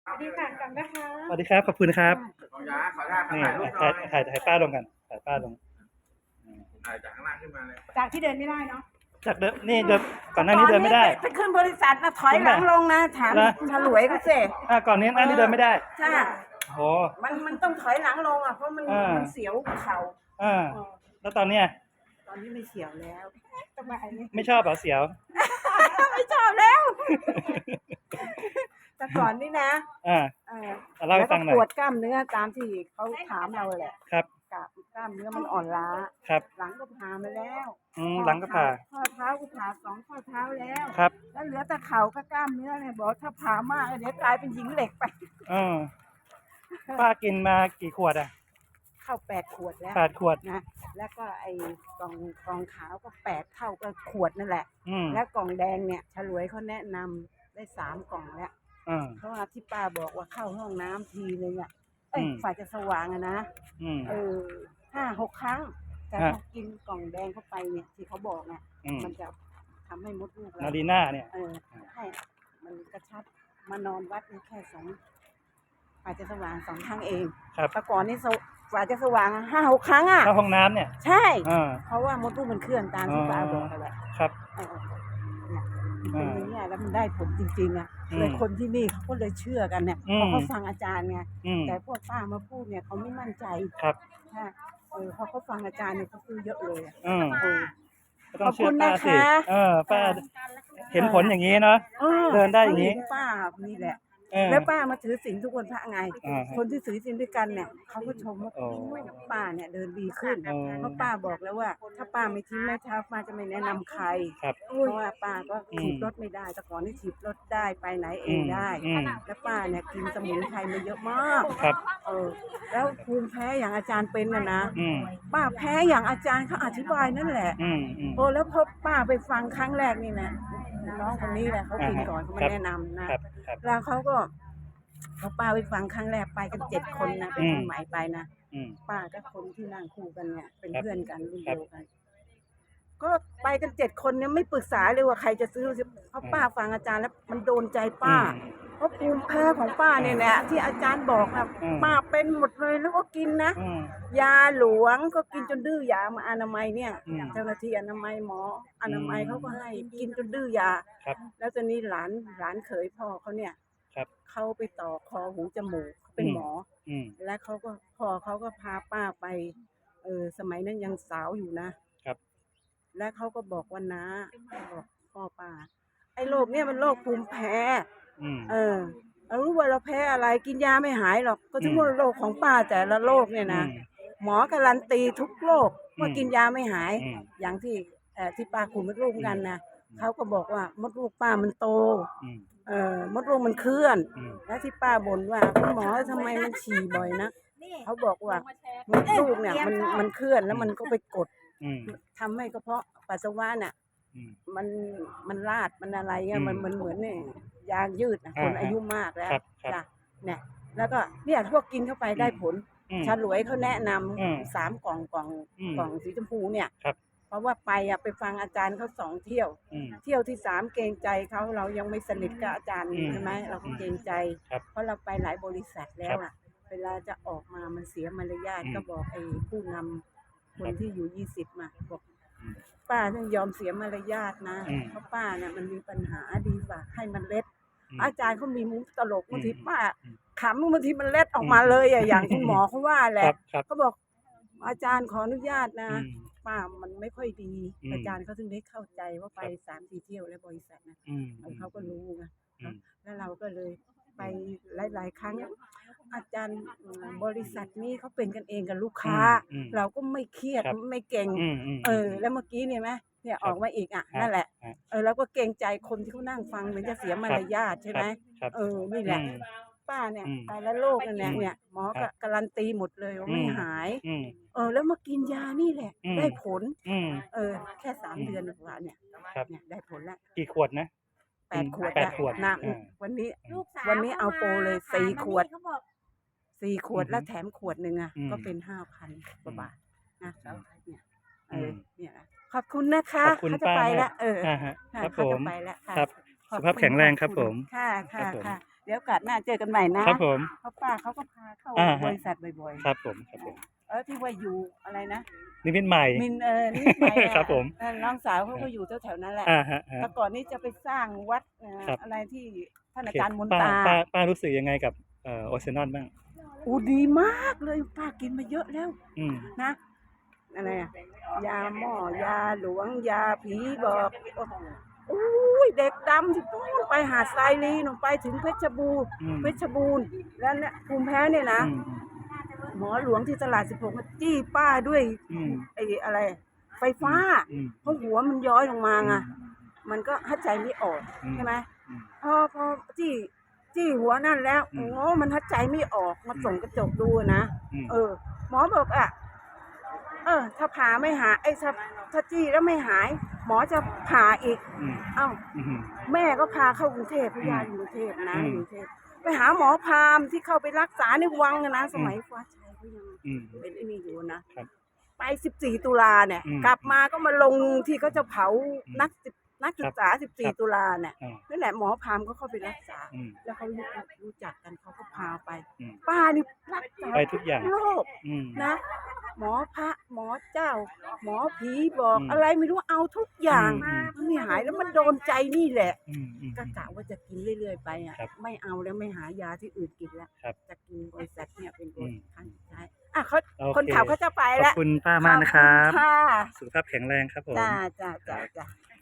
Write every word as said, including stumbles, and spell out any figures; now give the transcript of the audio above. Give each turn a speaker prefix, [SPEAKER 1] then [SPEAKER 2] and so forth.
[SPEAKER 1] สวัสดีค่ะกันนะคะ
[SPEAKER 2] สวัสดีครับขอบคุณครับ
[SPEAKER 3] ขออนุญาตขออนุญาต
[SPEAKER 2] นี่
[SPEAKER 3] ถ่ายรูปหน่
[SPEAKER 2] ถ่า
[SPEAKER 3] อย
[SPEAKER 2] ยถ่ายถ่ายป้าลงกันถ่ายป้าลง
[SPEAKER 3] ถ่ายจากข้างล่างขึ้นมาเลย
[SPEAKER 1] จากที่เดินไม่ได้เนาะ
[SPEAKER 2] จากเดิมนี่เดิมก่อนหน้านี้เดินไม่ได้
[SPEAKER 4] ไปขึ้นบริษัทนะถอยหลังลงนะถามฉลวยก็เสร็จ
[SPEAKER 2] อ่าก่อนนี้อันนี้เดินไม่ได้
[SPEAKER 4] ใช่
[SPEAKER 2] โห
[SPEAKER 4] มันมันต้องถอยหลังลงอ่ะเพราะมันมันเสียวเข่า
[SPEAKER 2] อ่าแล้วตอนเนี้ย
[SPEAKER 4] ตอนนี้ไม่เสียวแล้ว
[SPEAKER 1] สบายเลย
[SPEAKER 2] ไม่ชอบเหรอเสียว
[SPEAKER 4] ไม่ชอบแล้วแต่ก่อนนี่นะ
[SPEAKER 2] อ่าเล่าให้ฟังหน่อย
[SPEAKER 4] ปวดกล้ามเนื้อตามที่เขาถามเราแหละ
[SPEAKER 2] ครับ
[SPEAKER 4] กล้ามเนื้อมันอ่อนล้า
[SPEAKER 2] ครับ
[SPEAKER 4] หลังก็ผ่ามาแล้ว
[SPEAKER 2] อืมหลังก็ผ่า
[SPEAKER 4] ข้อเท้าก็ผ่าสองข้อเท้าแล้ว
[SPEAKER 2] ครับ
[SPEAKER 4] แล้วเหลือแต่เข่ากับกล้ามเนื้อเนี่ยบอกถ้าผ่ามากเดี๋ยวกลายเป็นหญิงเหล็กไป
[SPEAKER 2] อืมป้ากินมากี่ขวดอ่ะ
[SPEAKER 4] เข้าแปดขวดแล้ว
[SPEAKER 2] แปดขวด
[SPEAKER 4] นะแล้วก็ไอ้กล่องกล่องขาวก็แปดเท่ากับขวดนั่นแหละแล้วกล่องแดงเนี่ยฉลวยเขาแนะนำได้สามกล่องแล้วเพราะว่าที่ป้าบอกว่าเข้าห้องน้ำทีนึงอ่ะเอ้ยฝ่ายจะสว่างอะนะเออห้าหกครั้งแต่พอกินกล่องแดงเข้าไปเนี่ยที่เขาบอกเนี่ยมันจะทำให้มดลูกเรา
[SPEAKER 2] นาดีน่าเนี่ย
[SPEAKER 4] เออให้มันกระชับมานอนวัดแค่สองฝ่ายจะสว่างสองครั้งเองแต่ก่อนนี่ฝ่ายจะสว่างห้าหกครั้งอ่ะ
[SPEAKER 2] เข้าห้องน้ำเนี่ย
[SPEAKER 4] ใช่เพราะว่ามดลูกมันเคลื่อนตามที่ป้าบอกนั่นแหละ
[SPEAKER 2] ครับ
[SPEAKER 4] เป็นอย่างนี้แล้วมันได้ผลจริงๆอ่ะเลยคนที่นี่เขาก็เลยเชื่อกันเนี่ยเพราะเขาฟังอาจารย์ไงแต่พวกป้ามาพูดเนี่ยเขาไม่มั่นใจ
[SPEAKER 2] ครับ
[SPEAKER 4] ใช่เออพอเขาฟังอาจารย์เนี่ยเขาซื้อเยอะเลย
[SPEAKER 2] อืม
[SPEAKER 4] ขอบคุณนะคะ
[SPEAKER 2] เออป้าเห็นผลอย่างนี้เนาะเดินได้อย่างนี้
[SPEAKER 4] ป้านี่แหละแล้วป้ามาถือศีลทุกวันพระไงคนที่ถือศีลด้วยกันเนี่ยเขาก็ชมว่าป้าเนี่ยเดินดีขึ้นเพราะป้าบอกแล้วว่าถ้าป้าไม่ทิ้งแม่เท้าป้าจะไม่แนะนำใครเพราะว่าป้าก็ถีบรถไม่ได้แต่ก่อนนี่ถีบรถได้ไปไหนเองได้แล้วป้าเนี่ยกินสมุนไพรมาเยอะมากเออแล้วภูมิแพ้อย่างอาจารย์เป็นน่ะนะป้าแพ้อย่างอาจารย์เขาอธิบายนั่นแหละโอ้แล้วพอป้าไปฟังครั้งแรกนี่นะน้องคนนี้แหละเขากินก่อนเขามาแนะนำนะแล้วเขาก็พอป้าไปฟังครั้งแรกไปกันเจ็ดคนนะเป็นคนใหม่ไปนะป้ากับคนที่นั่งคู่กันเนี่ยเป็นเพื่อนกันรุ่นเดียวกันก็ไปกันเจ็ดคนเนี่ยไม่ปรึกษาเลยว่าใครจะซื้อเพราะป้าฟังอาจารย์แล้วมันโดนใจป้าเพราะภูมิแพ้ของป้าเนี่ยแหละที่อาจารย์บอกนะป้าเป็นหมดเลยแล้วก็กินนะยาหลวงก็กินจนดื้อยามาอนามัยเนี่ยเจ้าหน้าที่อนามัยหมออนามัยเขาก็ให้กินจนดื้อยาแล้วตอนนี้หลานหลานเขยพ่อเขาเนี่ยเขาไปต่อคอหูจมูกเขาเป็นหมอและเขาก็พ่อเขาก็พาป้าไปเออสมัยนั้นยังสาวอยู่นะและเขาก็บอกว่านะบอกพ่อป้าไอ้โรคเนี่ยมันโรคภูมิแพ้เออเรารู้ว่าเราแพ้อะไรกินยาไม่หายหรอกก็ถึงว่าโรคของป้าแต่ละโรคเนี่ยนะหมอการันตีทุกโรคว่ากินยาไม่หายอย่างที่แต่ที่ป้าขุนมดลูกกันนะเขาก็บอกว่ามดลูกป้ามันโตเออมดลูกมันเคลื่อนแล้วที่ป้าบ่นว่าคุณหมอทำไมมันฉี่บ่อยนะเขาบอกว่ามดลูกเนี่ยมันมันเคลื่อนแล้วมันก็ไปกดทำให้กระเพาะปัสสาวะน่ะมันมันลาดมันอะไรเงี้ยมันมันเหมือนเนี่ยยางยืดนะคนอายุมากแล้วจ้ะเนี่ยแล้วก็เนี่ยพวกกินเข้าไปได้ผลฉลวยเขาแนะนำสามกล่องกล่องกล่องสีชมพูเนี่ยเพราะว่าไปอะไปฟังอาจารย์เขาสองเที่ยวเที่ยวที่สามเกรงใจเขาเรายังไม่สนิทกับอาจารย์ใช่ไหมเราก็เกรงใจเพราะเราไปหลายบริษัทแล้วอะเวลาจะออกมามันเสียมารยาทก็บอกไอ้ผู้นำคนที่อยู่ยี่สิบมาบอกป้าต้องยอมเสียมารยาทนะเพราะป้าเนี่ยมันมีปัญหาดีกว่าให้มันเล็ดอาจารย์เขามีมุกตลกบางทีป้าขำบางทีมันเล็ดออกมาเลยอะอย่างคุณหมอเขาว่าแหละเขาบอกอาจารย์ขออนุญาตนะป้ามันไม่ค่อยดีอาจารย์เขาถึงได้เข้าใจว่าไปสามสี่เที่ยวแล้วบริษัทนะเขาก็รู้ไงแล้วเราก็เลยไปหลายๆครั้งอาจารย์บริษัทนี้เขาเป็นกันเองกับลูกค้าเราก็ไม่เครียดไม่เก่งเออแล้วเมื่อกี้เนี่ยไหมเนี่ยออกมาอีกอ่ะนั่นแหละเออแล้วก็เกรงใจคนที่เขานั่งฟังเหมือนจะเสียมารยาทใช่ไหมเออนี่แหละป้าเนี่ยไปแล้วโรคนั่นแหละเนี่ยหมอก็การันตีหมดเลยว่าไม่หายเออแล้วมากินยานี่แหละได้ผลเออแค่สามเดือนกว่าเนี่ยเนี่ยได้ผลแล้ว
[SPEAKER 2] กี่ขวดนะ
[SPEAKER 4] แปดขวดแปดขวดนะวันนี้วันนี้เอาโปรเลยสี่ขวดสี่ขวดแล้วแถมขวดหนึ่งอ่ะก็เป็นห้าพันกว่าบาทนะเนี่ยเออเนี่ยขอบคุณนะคะเขาจะไปแล้วเออ
[SPEAKER 2] ครับผม
[SPEAKER 4] ไปแล้ว
[SPEAKER 2] ครับสุขภาพแข็งแรงครับผม
[SPEAKER 4] ค่ะค่ะค่ะเดี๋ยวโอกาสหน้าเจอกันใหม่นะครับ
[SPEAKER 2] ผม
[SPEAKER 4] เพราะป้าเขาก็พาเข้า
[SPEAKER 2] อ่าฮะ
[SPEAKER 4] บริษัทบ่อย
[SPEAKER 2] ครับผมครับผม
[SPEAKER 4] ๆเออที่ว่าอยู่อะไรนะ
[SPEAKER 2] นิมิตใหม่
[SPEAKER 4] มินเออนี่ไปอะ
[SPEAKER 2] ครับผม
[SPEAKER 4] เออน้องสาวเขาก็อยู่แถวๆนั้นแหละ
[SPEAKER 2] อ่าฮะฮะ
[SPEAKER 4] แต่ก่อนนี้จะไปสร้างวัดเอ่อ
[SPEAKER 2] ครับ
[SPEAKER 4] อะไรที่ท่าน
[SPEAKER 2] โอ
[SPEAKER 4] อา
[SPEAKER 2] เค
[SPEAKER 4] จารย์มน
[SPEAKER 2] ป้า
[SPEAKER 4] ตา
[SPEAKER 2] ป้าป้ารู้สึกยังไงกับเอ่อโอเซนอนบ้าง
[SPEAKER 4] อูดีมากเลยป้ากินมาเยอะแล้ว
[SPEAKER 2] อืม
[SPEAKER 4] นะอะไรอะยาหม้อยาหลวงยาผีบอกอุ้ยเด็กดำที่นู่นไปหาดทรายลีหนูไปถึงเพชรบูรณ์
[SPEAKER 2] อืม
[SPEAKER 4] เพชรบูรณ์แล้วเนี่ยภูมิแพ้เนี่ยนะ
[SPEAKER 2] อืม
[SPEAKER 4] หมอหลวงที่ตลาดสิบหกมาจี้ป้าด้วย
[SPEAKER 2] อืม
[SPEAKER 4] ไอ้อะไร ไฟฟ้า
[SPEAKER 2] อืม
[SPEAKER 4] เพราะหัวมันย้อยลงมาไง
[SPEAKER 2] อืม
[SPEAKER 4] มันก็หายใจไม่ออก
[SPEAKER 2] อืม
[SPEAKER 4] ใช่ไหม
[SPEAKER 2] อืม
[SPEAKER 4] พอพอจี้จี้หัวนั่นแล้ว
[SPEAKER 2] อืม
[SPEAKER 4] โอ้มันหายใจไม่ออกมาส่องกระจกดูนะ
[SPEAKER 2] อืม
[SPEAKER 4] เออ หมอบอกอ่ะ เออ ถ้าผ่าไม่หายไอ้ถ้าถ้าจี้แล้วไม่หาย หมอจะผ่าอีก
[SPEAKER 2] อืม
[SPEAKER 4] เอ้า
[SPEAKER 2] อืม
[SPEAKER 4] แม่ก็พาเข้ากรุงเทพพยาอยู่กรุงเทพนะ
[SPEAKER 2] อืม
[SPEAKER 4] อยู่กรุงเทพไปหาหมอพราหมณ์ที่เข้าไปรักษาในวังนะนะสมัยฟ้าชัยเขายัง
[SPEAKER 2] อืม
[SPEAKER 4] เป็นไอ้นี่อยู่นะครับ ไปสิบสี่ตุลาเนี่ย
[SPEAKER 2] อืม
[SPEAKER 4] กลับมาก็มาลงที่เขาจะเผา
[SPEAKER 2] อืม
[SPEAKER 4] นักศึกนักศึกษาสิบ
[SPEAKER 2] ค
[SPEAKER 4] สี่
[SPEAKER 2] รับ
[SPEAKER 4] ตุลาเนี่ย
[SPEAKER 2] อ่า
[SPEAKER 4] นั่นแหละหมอพราหมณ์ก็เข้าไปรักษา
[SPEAKER 2] อืม
[SPEAKER 4] แล้วเขารู้รู้จักกันเขาก็พาไป
[SPEAKER 2] อืม
[SPEAKER 4] ป้านี่รักษา
[SPEAKER 2] ไปทุกอย่าง
[SPEAKER 4] โรค
[SPEAKER 2] อืม
[SPEAKER 4] นะ หมอพระหมอเจ้า หมอผีบอก
[SPEAKER 2] อืม
[SPEAKER 4] อะไรไม่รู้เอาทุกอย่าง
[SPEAKER 2] อืม
[SPEAKER 4] มันไม่หายแล้วมันโดนใจนี่แหละ
[SPEAKER 2] อืมอืม
[SPEAKER 4] ก็กะว่าจะกินเรื่อยๆไปอ่ะ
[SPEAKER 2] ครับ
[SPEAKER 4] ไม่เอาแล้วไม่หายาที่อื่นกินแล้ว
[SPEAKER 2] ครับ
[SPEAKER 4] จะกินบริษัทเนี่ยเป็นบ
[SPEAKER 2] อื
[SPEAKER 4] ริ
[SPEAKER 2] ม
[SPEAKER 4] ษัทสุดท้ายอ่ะเขา
[SPEAKER 2] โอเค
[SPEAKER 4] คนขับเขาจะไป
[SPEAKER 2] ขอ
[SPEAKER 4] แล้
[SPEAKER 2] บ
[SPEAKER 4] ว
[SPEAKER 2] คุณป้ามากนะครับ
[SPEAKER 4] ขอณค่ะ
[SPEAKER 2] สุขภาพแข็งแรงครับผม
[SPEAKER 4] จ้าจ้าจ้าจ้า